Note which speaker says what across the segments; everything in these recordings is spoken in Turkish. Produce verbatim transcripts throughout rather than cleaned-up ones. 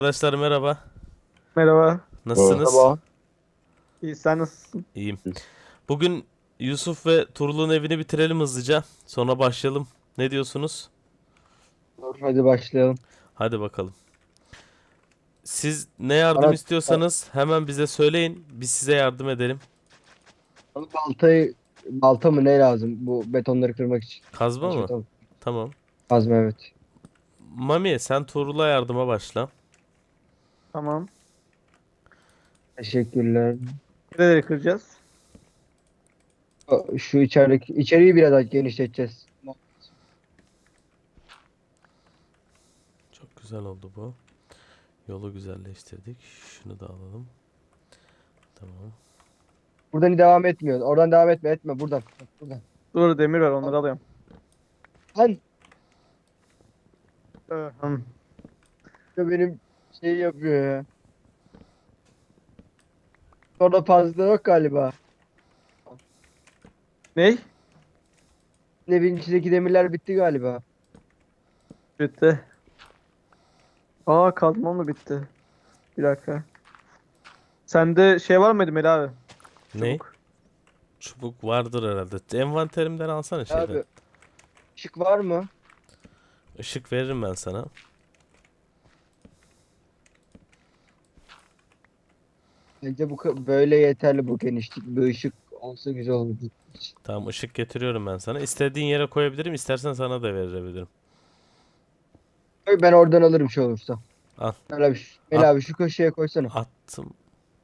Speaker 1: Arkadaşlar merhaba.
Speaker 2: Merhaba.
Speaker 1: Nasılsınız?
Speaker 3: Merhaba.
Speaker 2: İyi, sen nasılsın?
Speaker 1: İyiyim. Bugün Yusuf ve Turul'un evini bitirelim hızlıca. Sonra başlayalım. Ne diyorsunuz?
Speaker 3: Dur, hadi başlayalım.
Speaker 1: Hadi bakalım. Siz ne yardım
Speaker 3: Bana,
Speaker 1: istiyorsanız hemen bize söyleyin. Biz size yardım edelim.
Speaker 3: bana baltayı balta mı ne lazım bu betonları kırmak için?
Speaker 1: Kazma
Speaker 3: Yanlış
Speaker 1: mı?
Speaker 3: hatırlamıyorum.
Speaker 1: Tamam.
Speaker 3: Kazma, evet.
Speaker 1: Mami sen Turul'a yardıma başla.
Speaker 2: Tamam.
Speaker 3: Teşekkürler.
Speaker 2: Nereleri kıracağız?
Speaker 3: O- Şu içerideki içeriği biraz daha genişleteceğiz.
Speaker 1: Çok güzel oldu bu. Yolu güzelleştirdik. Şunu da alalım. Tamam.
Speaker 3: Buradan devam etmiyor. Oradan devam etme, etme buradan. Bak, buradan.
Speaker 2: Dur, demir var, onları alıyorum.
Speaker 3: Lan
Speaker 2: Ee, hmm.
Speaker 3: ya benim şey yapıyor ya. Orada fazla yok galiba.
Speaker 2: Ney?
Speaker 3: Evin içindeki demirler bitti galiba.
Speaker 2: Bitti. Aa, kazmam da bitti. Bir dakika. Sende şey var mıydı Melih abi?
Speaker 1: Ne?
Speaker 2: Çubuk.
Speaker 1: Çubuk vardır herhalde. Envanterimden alsana şeyden.
Speaker 3: Abi ışık var mı?
Speaker 1: Işık veririm ben sana.
Speaker 3: Bence bu ka- böyle yeterli bu genişlik. Bir ışık olsa güzel olur.
Speaker 1: Tamam ışık getiriyorum ben sana. İstediğin yere koyabilirim. İstersen sana da verebilirim.
Speaker 3: Ben oradan alırım şey olursa.
Speaker 1: Al.
Speaker 3: Mel abi, şu- Mel
Speaker 1: At,
Speaker 3: abi şu köşeye koysana.
Speaker 1: attım.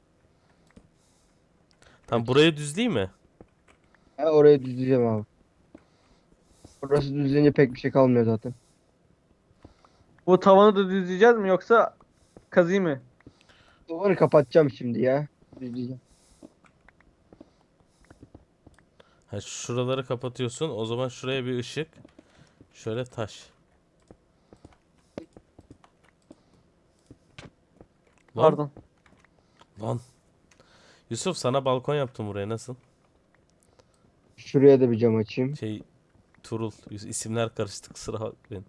Speaker 1: Tamam
Speaker 3: Evet.
Speaker 1: burayı düzleyeyim mi?
Speaker 3: Ha, orayı düzleyeceğim abi. Burası düzlenince pek bir şey kalmıyor zaten.
Speaker 2: Bu tavanı da düzleyeceğiz mi yoksa kazıyım mı?
Speaker 3: Duvarı kapatacağım şimdi ya. Düzleyeceğim.
Speaker 1: Ha, şuraları kapatıyorsun. O zaman şuraya bir ışık. Şöyle taş. Lan
Speaker 2: Pardon.
Speaker 1: lan. Yusuf sana balkon yaptım buraya nasıl?
Speaker 3: Şuraya da bir cam açayım.
Speaker 1: Şey Turul. Yus- isimler karıştı kusura bakmayın.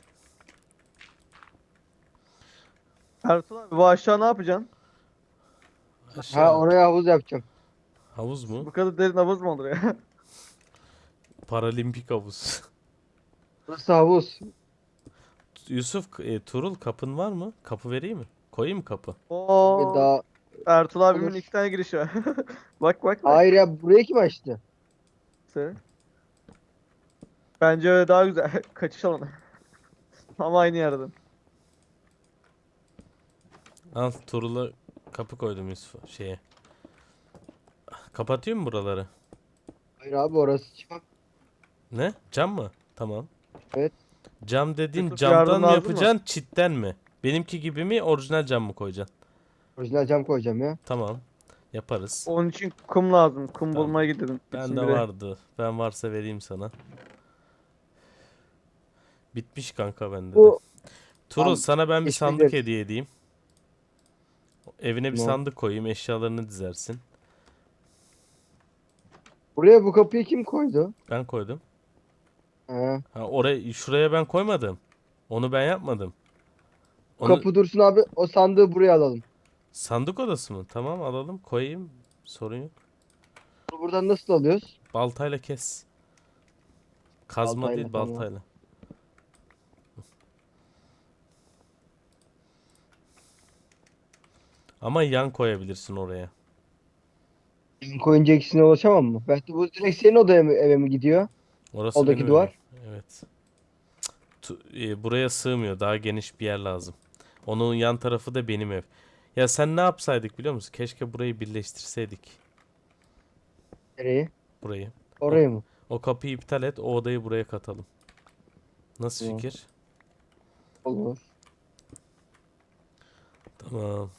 Speaker 2: Ertuğrul abi, bu aşağı ne yapacaksın?
Speaker 3: Ha,
Speaker 1: Aşağı.
Speaker 3: oraya havuz yapacağım.
Speaker 1: Havuz mu?
Speaker 2: Bu kadar derin havuz mu olur ya?
Speaker 1: Paralimpik havuz.
Speaker 3: Burası havuz.
Speaker 1: Yusuf e, Turul kapın var mı? Kapı vereyim mi? Koyayım mı kapı?
Speaker 3: Ve
Speaker 2: Oo,
Speaker 3: daha
Speaker 2: Ertuğrul abimin
Speaker 3: olur.
Speaker 2: iki tane girişi var. Bak bak bak.
Speaker 3: Hayır ya, burayı kim açtı?
Speaker 2: Sen- Bence öyle daha güzel. Kaçış alanı. Ama aynı yerden.
Speaker 1: Al Turul'a kapı koydum Yusuf şeye. Kapatıyor mu buraları?
Speaker 3: Hayır abi, orası cam.
Speaker 1: Ne? Cam mı? Tamam.
Speaker 3: Evet.
Speaker 1: Cam dediğin
Speaker 2: Yusuf,
Speaker 1: camdan
Speaker 2: yardım
Speaker 1: mı
Speaker 2: lazım mı?
Speaker 1: yapacaksın, çitten mi? Benimki gibi mi, orijinal cam mı koyacaksın?
Speaker 3: Orijinal cam koyacağım ya.
Speaker 1: Tamam. Yaparız.
Speaker 2: Onun için kum lazım. Kum
Speaker 1: Tamam.
Speaker 2: bulmaya gidelim.
Speaker 1: Bende
Speaker 2: İkisini bire.
Speaker 1: vardı. Ben varsa vereyim sana. Bitmiş kanka bende de.
Speaker 3: Bu
Speaker 1: Turul
Speaker 3: tam
Speaker 1: sana ben bir sandık
Speaker 3: geçmeyeceğiz.
Speaker 1: hediye edeyim. Evine bir
Speaker 3: Tamam.
Speaker 1: sandık koyayım, eşyalarını dizersin.
Speaker 3: Buraya bu kapıyı kim koydu?
Speaker 1: Ben koydum.
Speaker 3: Ha.
Speaker 1: Ha oraya şuraya ben koymadım. Onu ben yapmadım.
Speaker 3: Bu
Speaker 1: Onu
Speaker 3: kapı dursun abi. O sandığı buraya alalım.
Speaker 1: sandık odası mı? Tamam alalım, koyayım. Sorun yok.
Speaker 3: Bunu buradan nasıl alıyoruz?
Speaker 1: Baltayla kes. Kazma
Speaker 3: Baltayla,
Speaker 1: değil,
Speaker 3: tamam.
Speaker 1: baltayla. Ama yan koyabilirsin oraya.
Speaker 3: Koyunca ikisine ulaşamam mı? Belki bu direkt senin odaya mı, eve mi gidiyor?
Speaker 1: Orası
Speaker 3: Oradaki
Speaker 1: benim evim.
Speaker 3: duvar.
Speaker 1: Evet. Tu- e, buraya sığmıyor. Daha geniş bir yer lazım. Onun yan tarafı da benim ev. Ya sen ne yapsaydık biliyor musun? Keşke burayı birleştirseydik.
Speaker 3: Nereye?
Speaker 1: Burayı. O,
Speaker 3: Oraya mı?
Speaker 1: o kapıyı iptal et. O odayı buraya katalım. Nasıl
Speaker 3: Tamam.
Speaker 1: fikir?
Speaker 3: Olur.
Speaker 1: Tamam.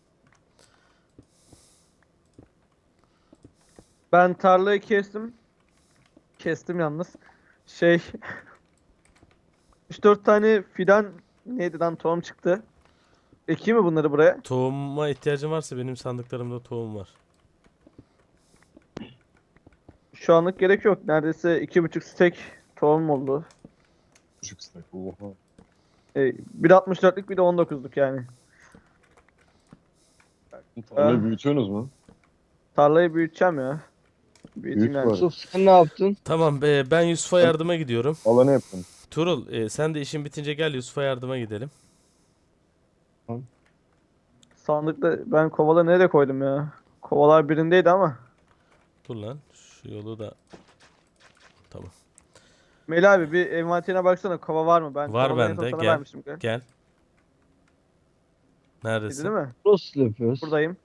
Speaker 2: Ben tarlayı kestim. Kestim yalnız. Şey üç dört tane fidan neydi lan, tohum çıktı. Ekeyim mi bunları buraya?
Speaker 1: Tohuma ihtiyacın varsa benim sandıklarımda tohum var.
Speaker 2: Şu anlık gerek yok. Neredeyse iki buçuk stek tohum oldu.
Speaker 4: Buçuk stack. Oha.
Speaker 2: E, bir altmış dörtlük bir de on dokuzluk yani.
Speaker 4: Tarlayı
Speaker 2: Ha.
Speaker 4: büyütüyorsunuz mu?
Speaker 2: Tarlayı büyüteceğim ya. Büyüteyim
Speaker 4: Büyük
Speaker 2: yani.
Speaker 4: var.
Speaker 3: Yusuf sen ne yaptın?
Speaker 1: Tamam be, ben Yusuf'a
Speaker 4: Ben-
Speaker 1: yardıma gidiyorum.
Speaker 4: Alanı yapın.
Speaker 1: Turul, e, sen de işin bitince gel, Yusuf'a yardıma gidelim.
Speaker 2: Sandıkta ben kovaları nereye koydum ya? Kovalar birindeydi ama.
Speaker 1: Dur lan, şu yolu da tamam.
Speaker 2: Melih abi bir envanterine baksana, kova var mı? Ben
Speaker 1: Var
Speaker 2: kovaları en son
Speaker 1: bende,
Speaker 2: sana
Speaker 1: gel.
Speaker 2: vermiştim. Gel.
Speaker 1: Gel.
Speaker 2: Dedi değil
Speaker 1: Neredesin?
Speaker 2: mi?
Speaker 3: Nasıl yapıyoruz?
Speaker 2: Buradayım.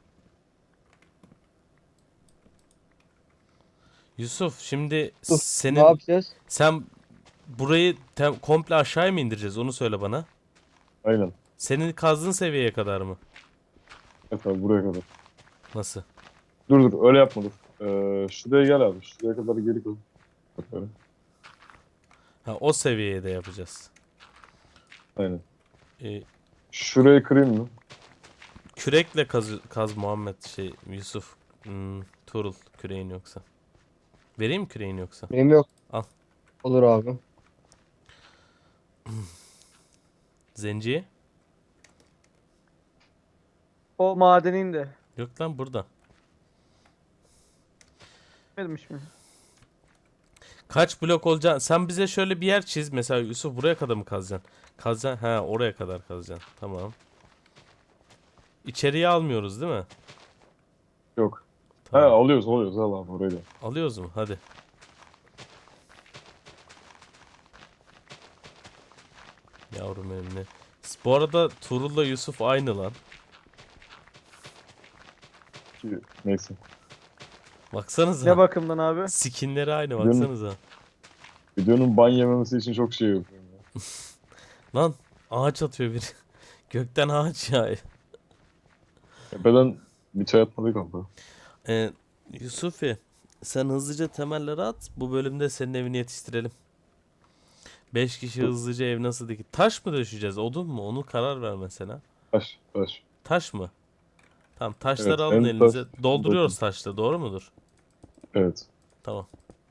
Speaker 1: Yusuf, şimdi
Speaker 3: Yusuf, ne
Speaker 1: senin
Speaker 3: yapacağız?
Speaker 1: sen burayı tem- komple aşağıya mı indireceğiz? Onu söyle bana.
Speaker 4: Aynen.
Speaker 1: Senin kazdığın seviyeye kadar mı?
Speaker 4: Evet abi buraya kadar.
Speaker 1: Nasıl?
Speaker 4: Dur dur öyle yapma dur. Ee, şuraya gel abi. Şuraya kadar geri koy. Bak böyle.
Speaker 1: Ha, o seviyeye de yapacağız.
Speaker 4: Aynen.
Speaker 1: E,
Speaker 4: Şurayı kırayım mı?
Speaker 1: kürekle kaz, kaz Muhammed şey Yusuf. Hmm, Turul küreğin yoksa. Vereyim mi küreğin yoksa?
Speaker 3: Benim yok.
Speaker 1: Al.
Speaker 3: Olur abi.
Speaker 1: Zenciye?
Speaker 2: O madenin de.
Speaker 1: Yok lan, burada.
Speaker 2: Bilmemiş mi?
Speaker 1: Kaç blok olacak? Sen bize şöyle bir yer çiz. Mesela Yusuf, buraya kadar mı kazacaksın? Kazacaksın. Ha, oraya kadar kazacaksın. Tamam. İçeriye almıyoruz değil mi?
Speaker 4: Yok. He
Speaker 1: Tamam.
Speaker 4: alıyoruz alıyoruz al abi orayı da.
Speaker 1: Alıyoruz mu? Hadi. Yavrum benim ne? Bu arada Tuğrul'la Yusuf aynı lan.
Speaker 4: Ki, neyse.
Speaker 1: Baksanıza.
Speaker 2: Ne bakımdan abi?
Speaker 1: Skinleri aynı,
Speaker 4: Videonun-
Speaker 1: baksanıza.
Speaker 4: Videonun ban yememesi için çok şey yapıyorum ya.
Speaker 1: Lan ağaç atıyor biri. Gökten ağaç ya.
Speaker 4: Tepeden bir çay atmadık abla.
Speaker 1: Ee, Yusufi, sen hızlıca temelleri at. Bu bölümde senin evini yetiştirelim. Beş kişi hızlıca ev nasıl dikir? Taş mı döşeceğiz? Odun mu? Onu karar ver mesela.
Speaker 4: Taş taş.
Speaker 1: Taş mı? Tamam, taşları
Speaker 4: Evet,
Speaker 1: alın
Speaker 4: hem
Speaker 1: elinize.
Speaker 4: taş, hem
Speaker 1: Dolduruyoruz
Speaker 4: dokun.
Speaker 1: taşla, doğru mudur?
Speaker 4: Evet.
Speaker 1: Tamam.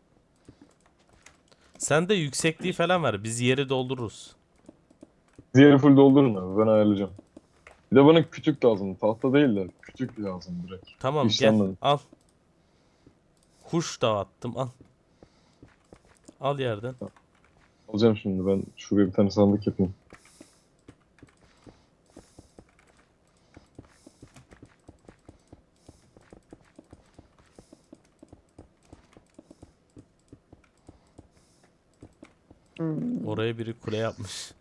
Speaker 1: Sen de yüksekliği falan ver. Biz yeri doldururuz.
Speaker 4: Diğeri full doldurun abi ben ayarlayacağım. Bir de bana kütük lazım. Tahta değil de kütük lazım direkt.
Speaker 1: Tamam, gel.
Speaker 4: İşlenmedi.
Speaker 1: Al. Kuş da attım. Al. Al yerden.
Speaker 4: Alacağım şimdi ben şuraya bir tane sandık yapayım.
Speaker 2: Hmm.
Speaker 1: Oraya biri kule yapmış.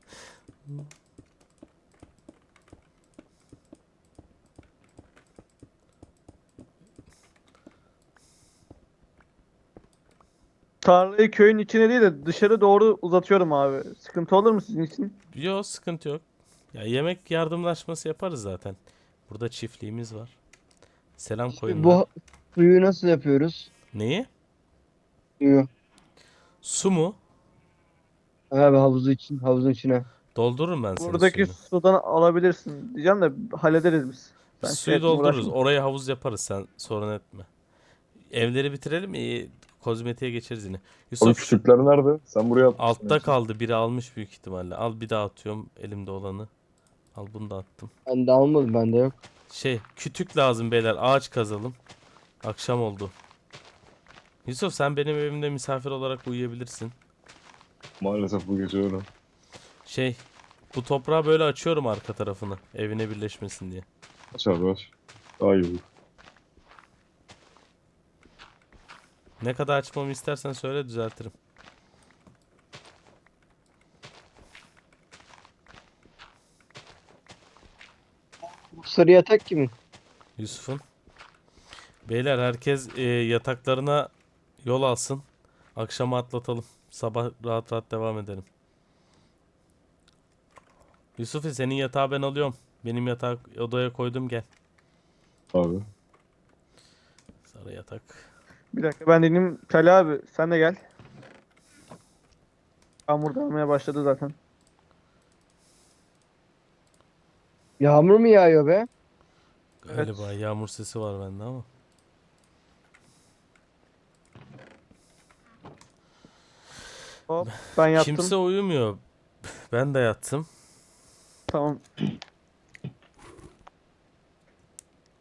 Speaker 2: Tarlayı köyün içine değil de dışarı doğru uzatıyorum abi. Sıkıntı olur mu sizin için?
Speaker 1: Yok, sıkıntı yok. Ya yemek yardımlaşması yaparız zaten. Burada çiftliğimiz var. Selam koyunlar.
Speaker 3: Bu suyu nasıl yapıyoruz?
Speaker 1: Neyi?
Speaker 3: Suyu.
Speaker 1: Su mu?
Speaker 3: Abi havuzu için, havuzun içine.
Speaker 1: Doldururum ben senin
Speaker 2: Buradaki
Speaker 1: suyunu.
Speaker 2: sudan alabilirsin diyeceğim de hallederiz biz.
Speaker 1: Biz
Speaker 2: Sen
Speaker 1: suyu
Speaker 2: şey etme,
Speaker 1: doldururuz.
Speaker 2: uğraşma.
Speaker 1: Oraya havuz yaparız, sen sorun etme. Evleri bitirelim, iyi, kozmetiğe geçeriz yine.
Speaker 4: Abi
Speaker 1: Yusuf, şu-
Speaker 4: kütükler nerede? Sen buraya atmışsın.
Speaker 1: altta
Speaker 4: hepsini.
Speaker 1: kaldı. Biri almış büyük ihtimalle. Al, bir daha atıyorum elimde olanı. Al, bunu da attım.
Speaker 3: Ben de almadım, bende yok.
Speaker 1: Şey, kütük lazım beyler. Ağaç kazalım. Akşam oldu. Yusuf, sen benim evimde misafir olarak uyuyabilirsin.
Speaker 4: Maalesef bu gece öyle.
Speaker 1: Şey, bu toprağı böyle açıyorum arka tarafını. Evine birleşmesin diye.
Speaker 4: Aç abi aç. Daha iyi olur.
Speaker 1: Ne kadar açmamı istersen söyle, düzeltirim.
Speaker 3: Bu sarı yatak kimin?
Speaker 1: Yusuf'un. Beyler, herkes e, yataklarına yol alsın. Akşamı atlatalım. Sabah rahat rahat devam edelim. Yusuf'u, senin yatağı ben alıyorum. Benim yatağı odaya koydum, gel.
Speaker 4: Abi.
Speaker 1: Sarı yatak.
Speaker 2: Bir dakika ben dedim Tali abi sen de gel. Yağmur damlaya başladı zaten.
Speaker 3: Yağmur mu yağıyor be?
Speaker 1: Galiba yağmur sesi var bende ama.
Speaker 2: Hop ben yattım.
Speaker 1: Kimse uyumuyor. Ben de yattım.
Speaker 2: Tamam.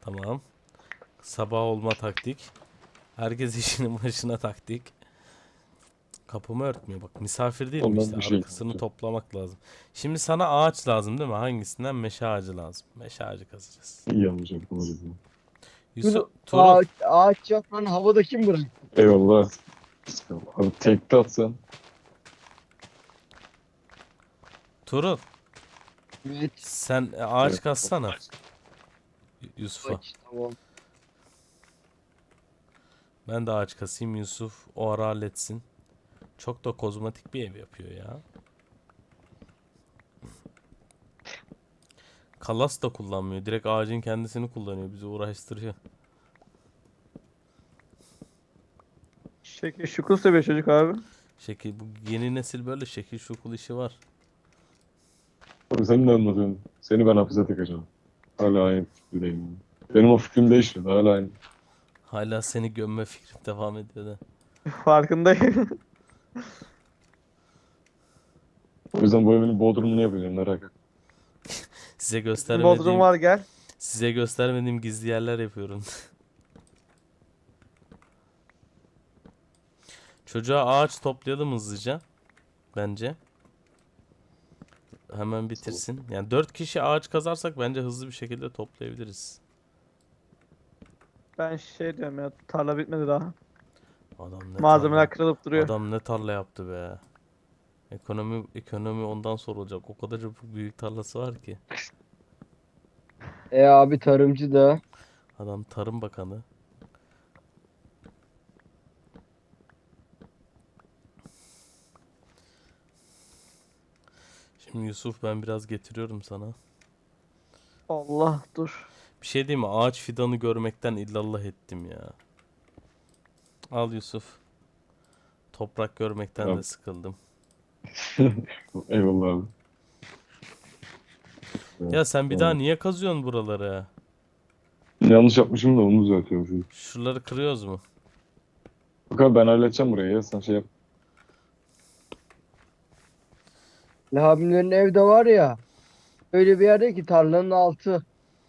Speaker 1: Tamam. Sabah olma taktik. Herkes işinin başına taktik. Kapımı örtmüyor bak. Misafir değilim
Speaker 4: Ondan
Speaker 1: işte.
Speaker 4: bir şey
Speaker 1: Arkasını
Speaker 4: yapacağım.
Speaker 1: toplamak lazım. Şimdi sana ağaç lazım değil mi? Hangisinden? Meşe ağacı lazım. Meşe ağacı kazacağız.
Speaker 4: İyi yapacağım. Doğru.
Speaker 1: Yusuf,
Speaker 3: Dur,
Speaker 1: Tuğrul.
Speaker 3: ağaç, ağaç yok lan, havada kim bıraktı?
Speaker 4: Eyvallah. Abi tekte atsan.
Speaker 1: Tuğrul.
Speaker 3: Evet,
Speaker 1: Sen e, ağaç
Speaker 4: Evet.
Speaker 1: kazsana. Y- Yusuf'a.
Speaker 3: ağaç, tamam.
Speaker 1: Ben de ağaç kasayım. Yusuf o ara halletsin. Çok da kozmetik bir ev yapıyor ya. Kalas da kullanmıyor. Direkt ağacın kendisini kullanıyor. Bizi uğraştırıyor.
Speaker 2: Şekil şukul seviyor çocuk abi.
Speaker 1: Şekil bu yeni nesil böyle şekil şukul işi var.
Speaker 4: Abi sen ne anlatıyorsun? Seni ben hapise tıkacağım. Hala aynı fikirdeyim. Benim o fikrim değişmedi. Hala aynı.
Speaker 1: Hala seni gömme fikrim devam ediyor da.
Speaker 2: Farkındayım.
Speaker 4: O yüzden bu evin bodrumunu yapacağım. Merak etme.
Speaker 1: Size
Speaker 2: Bodrum
Speaker 1: göstermediğim
Speaker 2: var gel.
Speaker 1: size göstermediğim gizli yerler yapıyorum. Çocuğa ağaç toplayalım hızlıca. Bence. Hemen bitirsin. Yani dört kişi ağaç kazarsak bence hızlı bir şekilde toplayabiliriz.
Speaker 2: Ben şey diyorum ya, tarla bitmedi daha.
Speaker 1: Adam ne
Speaker 2: Malzemeler
Speaker 1: tarla,
Speaker 2: kırılıp duruyor.
Speaker 1: adam ne tarla yaptı be. Ekonomi ekonomi ondan sorulacak. O kadar çok büyük tarlası var ki.
Speaker 3: E abi, tarımcı da.
Speaker 1: Adam Tarım Bakanı. Şimdi Yusuf ben biraz getiriyorum sana.
Speaker 2: Allah dur.
Speaker 1: Bir şey diyeyim mi? Ağaç fidanı görmekten illallah ettim ya. Al Yusuf. Toprak görmekten de
Speaker 4: Tamam.
Speaker 1: sıkıldım.
Speaker 4: Eyvallah abi.
Speaker 1: Ya sen bir daha
Speaker 4: Tamam.
Speaker 1: niye kazıyorsun buraları?
Speaker 4: Yanlış yapmışım da onu düzeltiyorum.
Speaker 1: Şuraları kırıyoruz mu?
Speaker 4: Bak abi ben halledeceğim burayı ya. Sen şey yap.
Speaker 3: Ali abimlerin evde var ya. Öyle bir yerde ki tarlanın altı.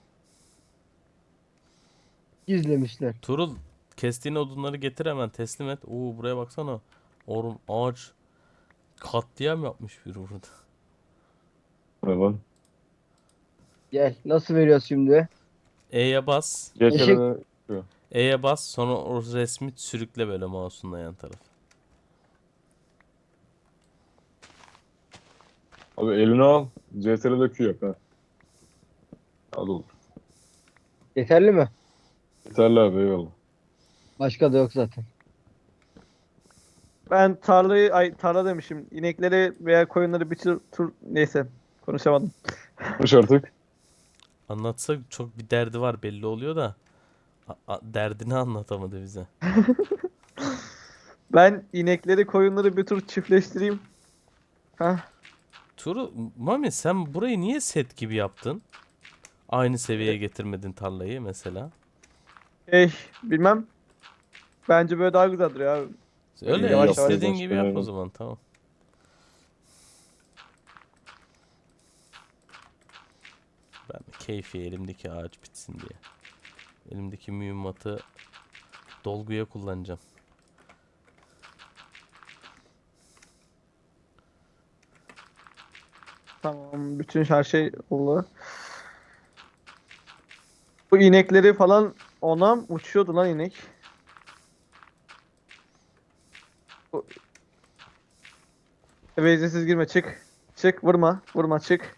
Speaker 3: Gizlemişler.
Speaker 1: Turul kestiğin odunları getir hemen teslim et. Oo buraya baksana. Oğlum ağaç katliam yapmış biri burada.
Speaker 4: Eyvallah.
Speaker 3: Gel. Nasıl veriyoruz şimdi?
Speaker 1: E'ye bas.
Speaker 3: Eşek.
Speaker 4: Geçene
Speaker 1: E'ye bas sonra o resmi sürükle böyle mouse'unla yan tarafa.
Speaker 4: abi elini al. C T R L'de Q yap ha. Hadi olur.
Speaker 3: Yeterli mi?
Speaker 4: Yeterli abi eyvallah.
Speaker 3: Başka da yok zaten.
Speaker 2: Ben tarlayı, ay tarla demişim. İnekleri veya koyunları bir tur, tur neyse. Konuşamadım.
Speaker 4: Konuş artık.
Speaker 1: Anlatsa çok bir derdi var belli oluyor da a- a- derdini anlatamadı bize.
Speaker 2: Ben inekleri koyunları bir tur çiftleştireyim. Hah.
Speaker 1: Turu Mami sen burayı niye set gibi yaptın? Aynı seviyeye getirmedin tarlayı mesela.
Speaker 2: Şey bilmem. Bence böyle daha güzel duruyor abi.
Speaker 1: Öyle
Speaker 2: Yavaş yavaş
Speaker 1: istediğin gibi yap o
Speaker 4: aynen.
Speaker 1: zaman tamam. Ben de keyfi elimdeki ağaç bitsin diye. Elimdeki mühimmatı dolguya kullanacağım.
Speaker 2: Tamam, bütün her şey oldu. Bu inekleri falan ona mı uçuyordu lan inek. Bu- Eve izinsiz girme, çık. Çık, vurma, vurma, çık.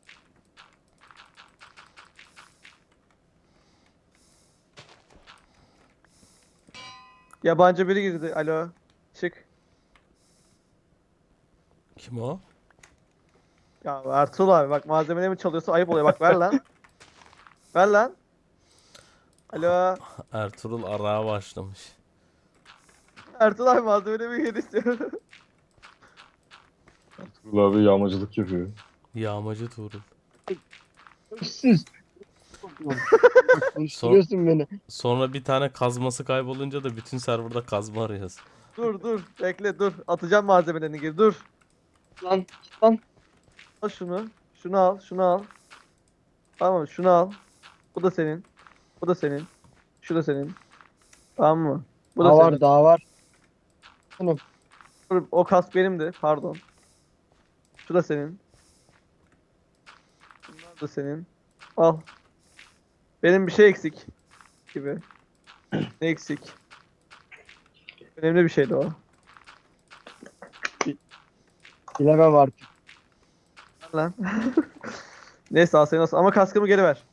Speaker 2: Yabancı biri girdi. Alo. Çık.
Speaker 1: Kim o?
Speaker 2: Ya Ertuğrul abi bak, malzemelerimi çalıyorsa ayıp oluyor. Bak ver lan. Ver lan. Alo.
Speaker 1: Ertuğrul arağa başlamış.
Speaker 2: Ertuğrul abi malzemelerimi geri istiyorum.
Speaker 4: Ertuğrul abi yağmacılık yapıyor.
Speaker 1: Yağmacı Tuğrul.
Speaker 3: Sus. Bak, konuşturuyorsun beni.
Speaker 1: Sonra bir tane kazması kaybolunca da bütün serverda kazma arıyoruz.
Speaker 2: Dur dur. Bekle dur. Atacağım malzemelerini geri. Dur.
Speaker 3: Lan. Lan.
Speaker 2: Al şunu. Şunu al. Şunu al. Tamam şunu al. Bu da senin. Bu da senin. Şu da senin. Tamam mı? Bu da
Speaker 3: Daha
Speaker 2: senin.
Speaker 3: var daha var. Bunu
Speaker 2: Dur, o kask benimdi. Pardon. Şu da senin. Bunlar da senin. Al. Benim bir şey eksik gibi. Ne eksik? Önemli bir şeydi o.
Speaker 3: bilemem artık.
Speaker 2: Lan. Neyse al seni olsun. Ama kaskımı geri ver.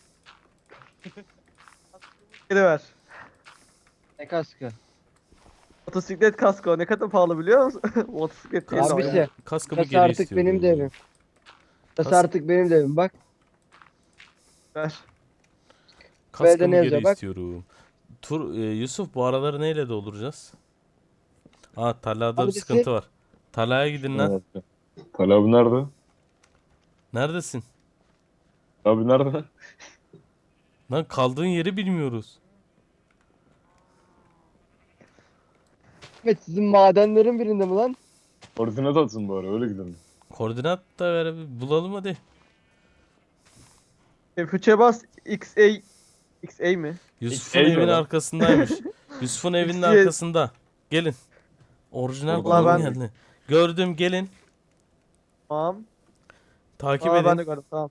Speaker 2: Geri ver.
Speaker 3: Ne kaskı?
Speaker 2: Motosiklet kasko ne kadar pahalı biliyor musun? Motosiklet değil ama
Speaker 3: Abisi,
Speaker 2: yani.
Speaker 1: Kaskımı
Speaker 3: Burası
Speaker 1: geri
Speaker 3: artık
Speaker 1: istiyorum.
Speaker 3: benim de evim. Burası
Speaker 1: Kas-
Speaker 3: artık benim de evim. Bak.
Speaker 2: Ver.
Speaker 1: Kaskımı
Speaker 3: ne
Speaker 1: geri
Speaker 3: yazıyor, bak.
Speaker 1: istiyorum. Tur, e, Yusuf bu araları neyle dolduracağız? Aa tarlada bir
Speaker 3: Abisi-
Speaker 1: sıkıntı var. Tarlaya gidin lan.
Speaker 4: Evet. Talha abi nerede?
Speaker 1: Neredesin?
Speaker 4: Abi nerede?
Speaker 1: Lan kaldığın yeri bilmiyoruz.
Speaker 3: Evet, sizin madenlerin birinde mi lan?
Speaker 4: Koordinat atsın bari öyle gidelim.
Speaker 1: Koordinat da ver bir bulalım hadi.
Speaker 2: F üçe bas X A X A mi?
Speaker 1: Yusuf'un
Speaker 4: Eyle
Speaker 1: evinin
Speaker 4: lan.
Speaker 1: arkasındaymış. Yusuf'un evinin
Speaker 2: X Y.
Speaker 1: arkasında. Gelin. Orijinal
Speaker 4: Orada
Speaker 1: konum
Speaker 2: ben-
Speaker 1: geldi. Gördüm gelin.
Speaker 2: Tamam.
Speaker 1: Takip
Speaker 2: Aa, ben
Speaker 1: edin.
Speaker 2: de gördüm tamam.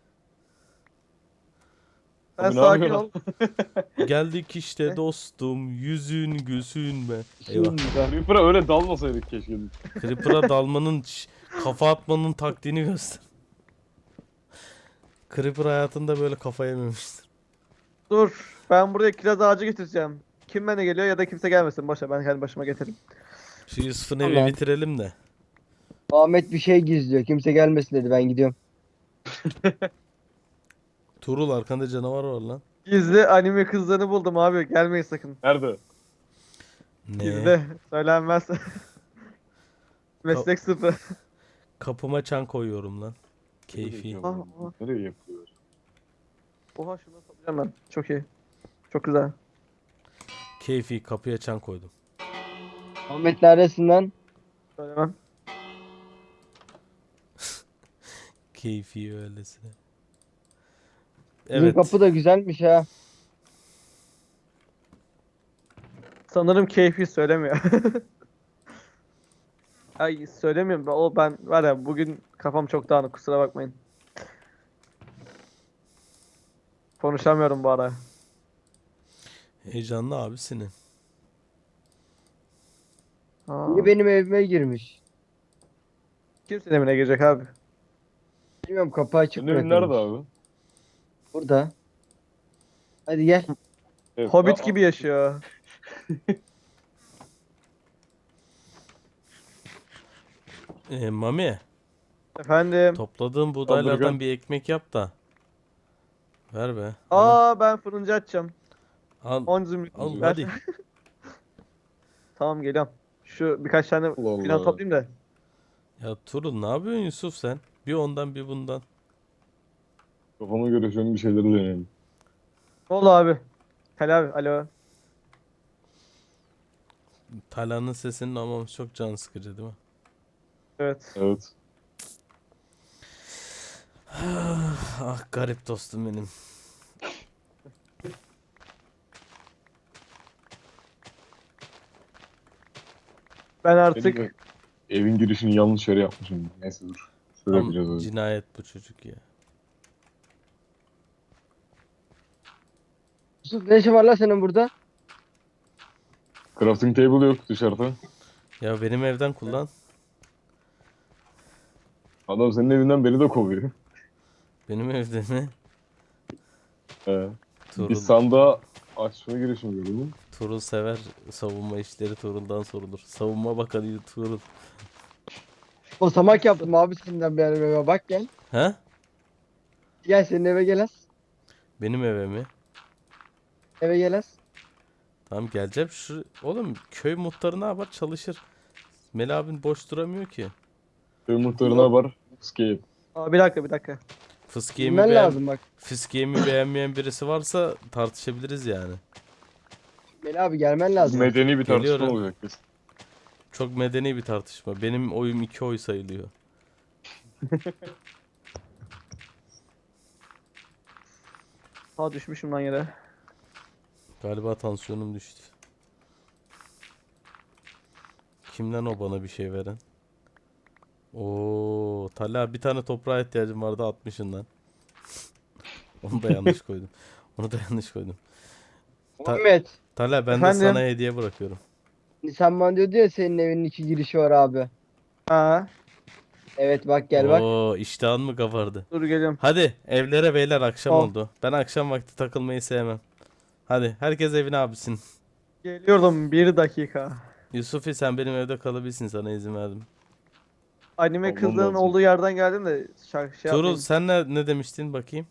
Speaker 2: Sen
Speaker 4: Abi ne
Speaker 2: sakin
Speaker 4: yapıyorsun?
Speaker 2: ol.
Speaker 1: Geldik işte
Speaker 2: Ne?
Speaker 1: dostum. Yüzün gözün be. Eyvah.
Speaker 4: Creeper'a öyle dalmasaydık keşke.
Speaker 1: Creeper'a dalmanın, ş- kafa atmanın taktiğini göster. Creeper hayatında böyle kafa yememiştir.
Speaker 2: Dur. Ben buraya kiraz ağacı getireceğim. Kim bana geliyor ya da kimse gelmesin. Boşver ben kendi başıma getiririm.
Speaker 1: Şu Yusuf'un evi
Speaker 3: Tamam.
Speaker 1: bitirelim de.
Speaker 3: Ahmet bir şey gizliyor. Kimse gelmesin dedi. Ben gidiyorum.
Speaker 1: Tuğrul arkanda canavar var lan.
Speaker 2: Gizli anime kızlarını buldum abi. Gelmeyin sakın.
Speaker 4: Nerede?
Speaker 1: Ne?
Speaker 2: Gizli. Söylenmez. Meslek sıfır.
Speaker 1: Kapıma çan koyuyorum lan. Keyfi.
Speaker 2: Ah, ah.
Speaker 4: Nereye yapıyor?
Speaker 2: Oha şunu satacağım ben. Çok iyi. Çok güzel.
Speaker 1: Keyfi kapıya çan koydum.
Speaker 3: Ahmet neredesin lan?
Speaker 2: Söylemem.
Speaker 1: Keyfi öylesine.
Speaker 3: Bizim
Speaker 1: Evet.
Speaker 3: kapı da güzelmiş ha.
Speaker 2: Sanırım keyfi söylemiyor. Ay söylemiyorum. Ben- O ben var ya bugün kafam çok dağınık kusura bakmayın. Konuşamıyorum bu ara.
Speaker 1: Heyecanlı abisinin.
Speaker 2: Aa,
Speaker 3: Niye benim evime girmiş?
Speaker 2: kimsenin evine girecek abi.
Speaker 3: Bilmiyorum, kapı açık
Speaker 4: Senin evin
Speaker 3: bırakılmış.
Speaker 4: nerede abi?
Speaker 3: Burada. Hadi gel.
Speaker 4: Evet,
Speaker 2: Hobbit
Speaker 4: aa,
Speaker 2: gibi yaşıyor.
Speaker 1: Ee, Mami,
Speaker 2: Efendim.
Speaker 1: topladığın buğdaylardan
Speaker 4: Saldırgan.
Speaker 1: bir ekmek yap da. Ver be.
Speaker 2: Aa ben fırıncı açacağım.
Speaker 1: Al,
Speaker 2: on zümrüt
Speaker 1: al
Speaker 2: ver.
Speaker 1: hadi.
Speaker 2: Tamam geliyorum. Şu birkaç tane
Speaker 4: Allah
Speaker 2: filan
Speaker 4: Allah.
Speaker 2: toplayayım da.
Speaker 1: Ya Tuğrul ne yapıyorsun Yusuf sen? Bir ondan bir bundan.
Speaker 4: Kafama göre şöyle bir şeyleri deneyelim.
Speaker 2: Ne oldu abi? Tel abi alo.
Speaker 1: Talhan'ın sesinin ama çok can sıkıcı değil mi?
Speaker 2: Evet.
Speaker 4: Evet.
Speaker 1: Ah garip dostum benim.
Speaker 2: Ben
Speaker 4: Benim
Speaker 2: artık
Speaker 4: ev- evin girişini yanlış yere yapmışım. Neyse dur. Şöyle
Speaker 1: Tam
Speaker 4: yapacağız öyle.
Speaker 1: cinayet bu çocuk ya.
Speaker 3: Yusuf, ne işin var lan senin burada?
Speaker 4: Crafting table yok dışarıda.
Speaker 1: Ya benim evden kullan.
Speaker 4: Adam senin evinden beni de kovuyor.
Speaker 1: Benim evde mi?
Speaker 4: He.
Speaker 1: Tuğrul,
Speaker 4: Bir sandığa açma girişimi gördüm.
Speaker 1: Tuğrul sever savunma işleri Tuğrul'dan sorulur. Savunma bakanı Tuğrul.
Speaker 3: Basamak yaptım abi senden benim eve. Bak gel.
Speaker 1: He?
Speaker 3: Gel senin eve gel az.
Speaker 1: Benim eve mi?
Speaker 3: Eve gel az.
Speaker 1: Tamam geleceğim. Şu oğlum köy muhtarı ne yapar? Çalışır. Meli abin boş duramıyor ki.
Speaker 4: Köy muhtarına var. Escape.
Speaker 2: Aa, bir dakika bir dakika.
Speaker 1: Fıskiye'mi
Speaker 3: Bilmen
Speaker 1: beğen
Speaker 3: lazım bak.
Speaker 1: Fıskiye'mi beğenmeyen birisi varsa tartışabiliriz yani.
Speaker 3: Meli abi gelmen lazım.
Speaker 4: Medeni bir tartışma
Speaker 1: Geliyorum.
Speaker 4: olacak kesin.
Speaker 1: Çok medeni bir tartışma. Benim oyum iki oy sayılıyor.
Speaker 2: Ha düşmüşüm lan yere.
Speaker 1: Galiba tansiyonum düştü. Kimden o bana bir şey veren? Oo, Talha bir tane toprağa ihtiyacım vardı altmışın lan. Onu da yanlış koydum. Onu da yanlış koydum. Ta-
Speaker 3: Muhammed.
Speaker 1: Talha ben de
Speaker 2: Efendim?
Speaker 1: sana hediye bırakıyorum.
Speaker 3: Sen bana diyordu ya senin evinin iki girişi var abi.
Speaker 2: Ha,
Speaker 3: Evet bak gel bak.
Speaker 1: Oo, iştahın mı kabardı?
Speaker 2: dur geliyorum.
Speaker 1: Hadi evlere beyler, akşam
Speaker 2: Al.
Speaker 1: oldu. Ben akşam vakti takılmayı sevmem. Hadi herkes evine abisin.
Speaker 2: Geliyorum bir dakika.
Speaker 1: Yusufi sen benim evde kalabilirsin, sana izin verdim.
Speaker 2: Anime
Speaker 4: Olmam
Speaker 2: kızların
Speaker 4: lazım.
Speaker 2: olduğu yerden geldim de şarkı şey
Speaker 1: Tuğrul
Speaker 2: yapmayayım.
Speaker 1: sen ne, ne demiştin bakayım?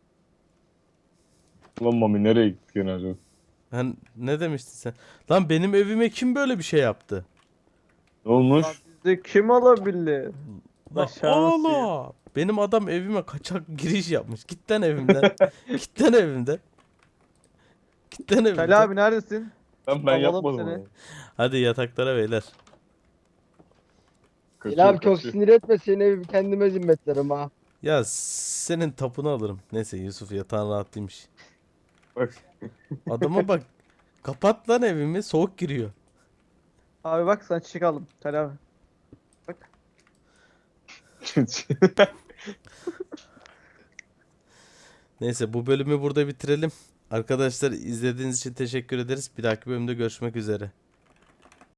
Speaker 4: Lan Mami nereye gittik gene acaba?
Speaker 1: Sen ne demiştin sen? Lan benim evime kim böyle bir şey yaptı?
Speaker 4: Ne olmuş?
Speaker 2: Lan bizde kim olabilir?
Speaker 1: Lan
Speaker 2: Başarısız.
Speaker 1: oğlum. Benim adam evime kaçak giriş yapmış. Git lan evimden. Git lan evimden. Git lan evimden.
Speaker 2: Talha abi neredesin?
Speaker 4: Ben, ben
Speaker 2: Alalım
Speaker 4: yapmadım
Speaker 2: seni.
Speaker 4: onu.
Speaker 1: Hadi yataklara beyler.
Speaker 4: Kaçıyor,
Speaker 3: Gel abi çok
Speaker 4: kaçıyor.
Speaker 3: sinir etme seni evi kendime zimmetlerim ha.
Speaker 1: Ya senin tapunu alırım. Neyse Yusuf yatağın rahat değilmiş.
Speaker 4: Bak.
Speaker 1: Adama bak. Kapat lan evimi, soğuk giriyor.
Speaker 2: Abi bak sana çiçek aldım. Talha abi.
Speaker 1: Neyse bu bölümü burada bitirelim. Arkadaşlar izlediğiniz için teşekkür ederiz. Bir dahaki bölümde görüşmek üzere.